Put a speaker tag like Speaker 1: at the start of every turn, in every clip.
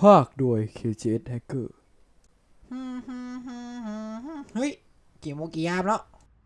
Speaker 1: าคโดย KGS Hacker
Speaker 2: เฮ้ยกี่โมงกี่ยามแล้ว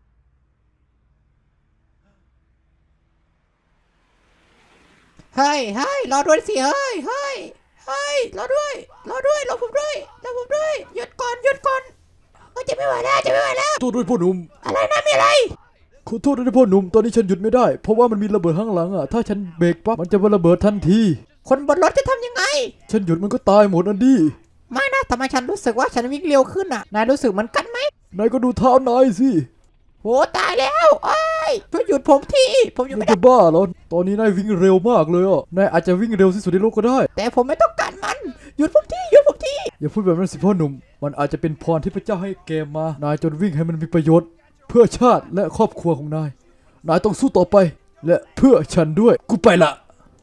Speaker 2: เฮ้ยรอด้วยสิเฮ้ยรอด้วยรอผมด้วยหยุดก่อนจะไม่ไหวแล้ว
Speaker 1: โทษด้วยพ่อหนุ่ม
Speaker 2: อะไรนะมีอะไร
Speaker 1: ขอโทษด้วยพ่อหนุ่มตอนนี้ฉันหยุดไม่ได้เพราะว่ามันมีระเบิดข้างหลังอ่ะถ้าฉันเบรกปั๊บมันจะระเบิดทันที
Speaker 2: คนบนรถจะทำยังไง
Speaker 1: ฉันหยุดมันก็ตายหมดอันดี
Speaker 2: ไม่นะทำไมฉันรู้สึกว่าฉันวิ่งเร็วขึ้นอ่ะนายรู้สึกเหมือนกันไหม
Speaker 1: นายก็ดูเท้านายสิ
Speaker 2: โหตายแล้วช่วยหยุดผมทีผมอยู่ไม่ได้
Speaker 1: จะบ้าเหรอตอนนี้นายวิ่งเร็วมากเลยอ่ะนายอาจจะวิ่งเร็วที่สุดในโลกก็ได้
Speaker 2: แต่ผมไม่ต้องการมันหยุดผมที
Speaker 1: อย่าพูดแบบนั้นสิพ่อหนุ่มมันอาจจะเป็นพรที่พระเจ้าให้แกมานายจนวิ่งให้มันมีประโยชน์เพื่อชาติและครอบครัวของนายต้องสู้ต่อไปและเพื่อฉันด้วยกูไปละ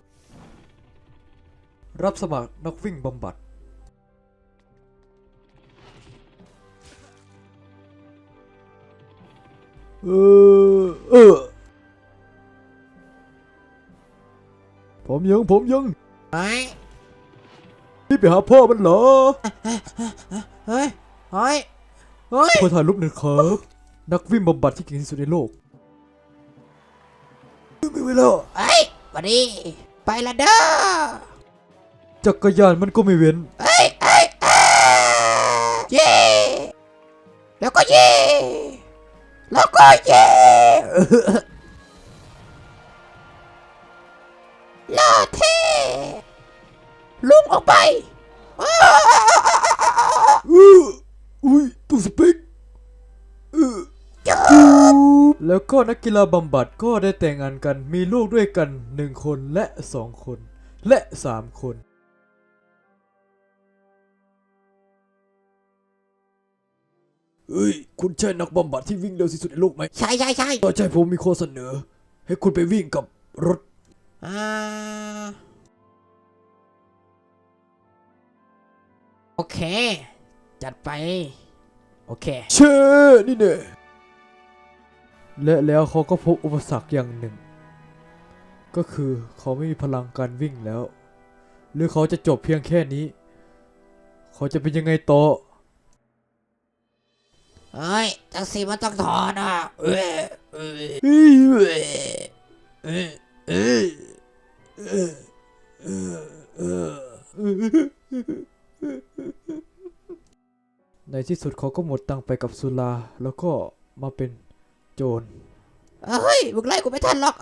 Speaker 1: รับสมัครนักวิ่งบำบัดผมยัง
Speaker 2: ไอ้
Speaker 1: นี่ไปหาพ่อมันเหรอ
Speaker 2: เฮ้ย
Speaker 1: ขอถ่ายรูปหน่อยครับนักวิ่งบำบัดที่เก่งที่สุดในโลกไม่ไหวแล้ว
Speaker 2: วันนี้ไปละเด้อ
Speaker 1: จักรยานมันก็ไม่เว้น
Speaker 2: เย่แล้วก็เย่เลิศเท่ลุงออกไป
Speaker 1: อุ้ยตู้สปิกแล้วก็นักกีฬาบำบัดก็ได้แต่งงานกันมีลูกด้วยกัน1คนและ2คนและ3คนคุณใช่นักบำบัดที่วิ่งเร็วที่สุดในโลกไหม
Speaker 2: ใช่
Speaker 1: ก็ใช่ผมมีข้อเสนอให้คุณไปวิ่งกับรถ
Speaker 2: โอเคจัดไปโอเค
Speaker 1: เช่นี่เนี่ยและแล้วเขาก็พบอุปสรรคอย่างหนึ่งก็คือเขาไม่มีพลังการวิ่งแล้วหรือเขาจะจบเพียงแค่นี้เขาจะเป็นยังไงต่อ
Speaker 2: จังสีมันต้องถอน
Speaker 1: ในที่สุดเขาก็หมดตังไปกับสุราแล้วก็มาเป็นโจร
Speaker 2: มึงไล่กูไม่ทันหรอก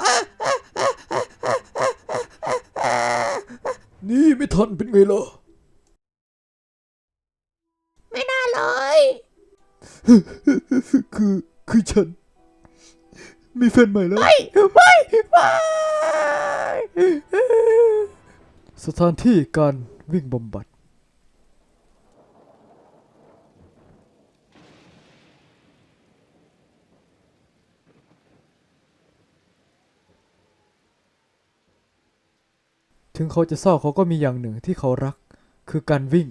Speaker 1: นี่ไม่ทันเป็นไงล่ะ
Speaker 2: ไม่น่าเลย
Speaker 1: คือฉันมีแฟนใหม่แล้ว
Speaker 2: ไม่
Speaker 1: สถานที่การวิ่งบำบัดถึงเขาจะเศร้าเขาก็มีอย่างหนึ่งที่เขารักคือการวิ่ง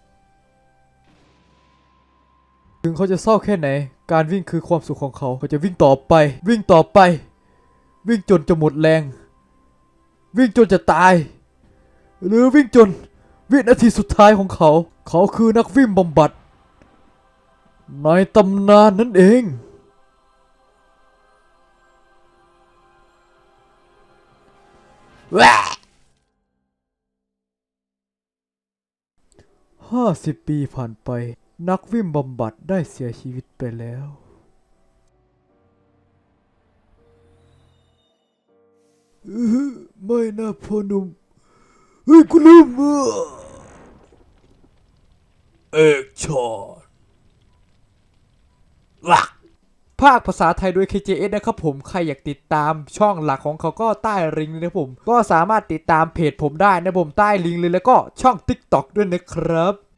Speaker 1: ถึงเขาจะเศร้าแค่ไหนการวิ่งคือความสุขของเขาจะวิ่งต่อไปวิ่งจนจะหมดแรงวิ่งจนจะตายหรือวิ่งจนวินาทีสุดท้ายของเขาคือนักวิ่งบำบัดในตำนานนั่นเอง50 ปีผ่านไปนักวิ่งบำบัดได้เสียชีวิตไปแล้วไม่นะพ่อหนุ่มคุณลืมเอกชอตภาคภาษาไทยโดย KJS นะครับผมใครอยากติดตามช่องหลักของเขาก็ใต้ลิงก์เลยนะผมก็สามารถติดตามเพจผมได้นะผมใต้ลิงก์เลยแล้วก็ช่อง TikTok ด้วยนะครับ